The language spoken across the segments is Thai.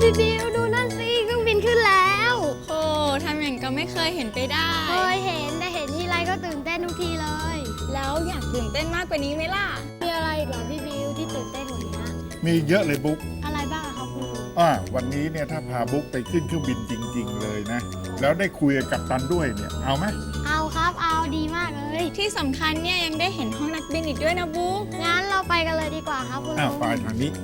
พี่บิวดูนั่นสิเครื่องบินขึ้นแล้วโอ้ทำอย่างก็ไม่เคยเห็นไปได้เคยเห็นแต่เห็นทีไรก็ตื่นเต้นทุกทีเลยแล้วอยากตื่นเต้นมากกว่านี้ไหมล่ะมีอะไรอีกเหรอพี่บิวที่ตื่นเต้นกว่านี้มีเยอะเลยบุ๊กอะไรบ้างอะครับคุณลุงวันนี้เนี่ยถ้าพาบุ๊กไปขึ้นเครื่องบินจริง ๆ เลยนะ แล้วได้คุยกับกัปตันด้วยเนี่ย เอาไหมเอาครับเอาดีมากเลยที่สำคัญเนี่ยยังได้เห็นห้องนักบินอีกด้วยนะบุ๊กงั้นเราไปกันเลยดีกว่าครับคุณลุงไปทางนี้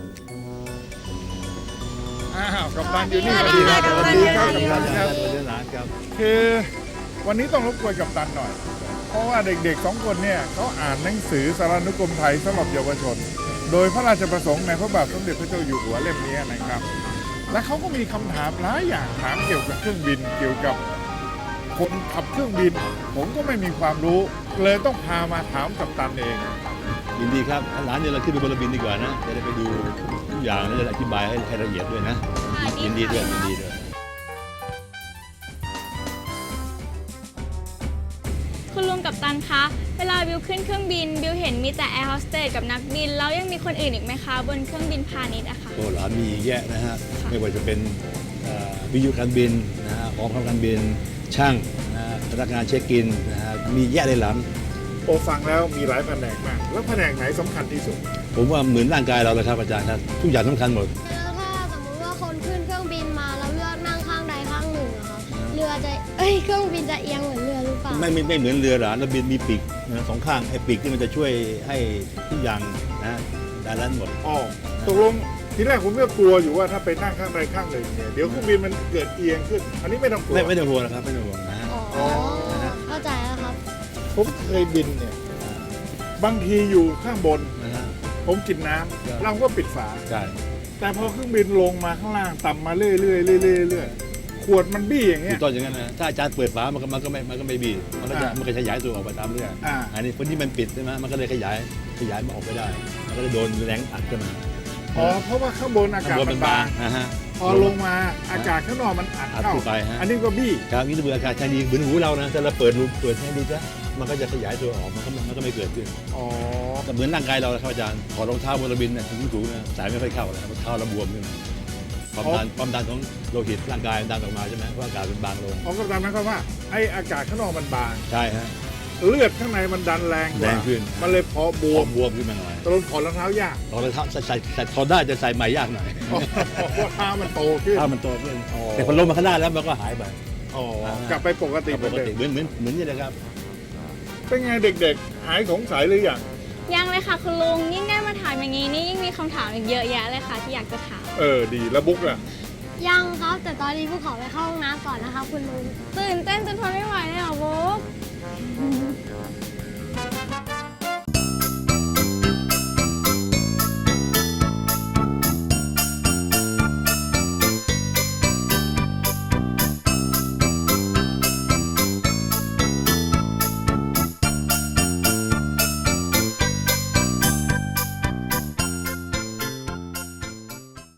กัปตันอยู่นี่สวัสดีครับสวัสดีครับกัปตันครับสวัสดีครับคือวันนี้ต้องรบกวนกัปตันหน่อย เพราะว่าเด็กๆ2 คนเนี่ยเขาอ่านหนังสือสารานุกรมไทยสำหรับเยาวชน โดยพระราชประสงค์ในพระบาทสมเด็จพระเจ้าอยู่หัวเล่มนี้นะครับ และเขาก็มีคำถามหลายอย่างถามเกี่ยวกับเครื่องบิน เกี่ยวกับคนขับเครื่องบิน ผมก็ไม่มีความรู้ เลยต้องพามาถามกัปตันเองยินดีครับร้านเนี่ยเราขึ้นไปบนระบินดีกว่านะ จะได้ไปดูทุกอย่างแล้วจะอธิบายให้ละเอียดด้วยนะ ยินดีด้วยยินดีด้วยคุณลุงกับตันคะ เวลาบิวขึ้นเครื่องบินบิวเห็นมีแต่แอร์โฮสเตสกับนักบินแล้วยังมีคนอื่นอีกไหมคะบนเครื่องบินพาณิชย์อะค่ะโอ้หลานมีแยะนะฮะ ไม่ว่าจะเป็นวิทยุการบินนะฮะของขับการบิน ช่างนะฮะพนักงานเช็คอินนะฮะ มีแยะเลยหลานโอฟังแล้วมีหลายแผนกมาก แล้วแผนกไหนสำคัญที่สุดผมว่าเหมือนร่างกายเราเลยครับอาจารย์ครับ ทุกอย่างสำคัญหมดแล้วถ้าสมมติว่าคนขึ้นเครื่องบินมาแล้วเลือกนั่งข้างใดข้างหนึ่งอะครับเครื่องบินจะเอียงเหมือนเรือหรือเปล่าไม่เหมือนเรือหลานระบินมีปีกนะสองข้างไอ้ปีกที่มันจะช่วยให้ทุกอย่างนะด้านนั้นหมดตกลงทีแรกผมก็กลัวอยู่ว่าถ้าไปนั่งข้างใดข้างหนึ่งเนี่ยเดี๋ยวเครื่องบินมันเกิดเอียงขึ้น อันนี้ไม่ต้องกลัวไม่ต้องห่วงนะครับไม่ต้องห่วงนะฮะอ๋อเข้าใจแล้วครับผมเคยบินเนี่ยบางทีอยู่ข้างบนนะฮะผมกินน้ำครับเราก็ปิดฝาใช่แต่พอเครื่องบินลงมาข้างล่างต่ำมาเรื่อยๆเรื่อยๆขวดมันบี้อย่างเงี้ถูยกต้องอย่างนั้นนะถ้าอาจารย์เปิดฝามันก็ไม่บีบมันก็ขยายตัวออกไปตามเรื่อง อันนี้คนที่มันปิดใช่ไหมมันก็เลยขยายมันออกไปได้ มันก็เลยโดนแรงอัดขึ้นมาเพราะว่าข้างบนอากาศมันบางนะฮะพอลงมาอากาศข้างนอกมันอัดอัดเข้าขึ้นไปฮะอันนี้ก็บี้ครับนี่ถ้าเปิดอากาศชายดีเหมือนหูเรานะถ้าเราเปิดให้ดูซะมันก็จะขยายตัวออกมันก็ไม่เกิดขึ้นอ๋อแต่เหมือนร่างกายเราครับอาจารย์ถอดรองเท้าบนระบินเนี่ยสูงๆนะสายไม่ค่อยเข้าแล้วเท้าเราบวมขึ้นความดันของโลหิตร่างกายมันดันออกมาใช่ไหมเพราะอากาศมันบางลงของกัปตันหมายความว่าไออากาศข้างนอกมันบางใช่ฮะเลือดข้างในมันดันแรงกว่าแรงขึ้นมันเลยพอบวมบวมขึ้นมาหน่อยตกลงถอดรองเท้ายากถอดรองเท้าใส่ถอดได้จะใส่ใหม่ยากหน่อยเพราะเท้ามันโตขึ้นถ้ามันโตขึ้นอ๋อแต่พอลงมาข้างหน้าแล้วมันก็หายไปอ๋อ กลับไปปกติปกติเหมือนนี่แหละครับเป็นไงเด็กๆ หายสงสัยหรือยังยังเลยค่ะคุณลุงยิ่งได้มาถามอย่างนี้นี่ยิ่งมีคำถามอีกเยอะแยะเลยค่ะที่อยากจะถามดีแล้วบุ๊กล่ะยังครับ แต่ตอนนี้พวกขอไปเข้าห้องน้ำก่อนนะครับคุณลุงตื่นเต้นจนทนไม่ไหวเลยเหรอบุ๊ก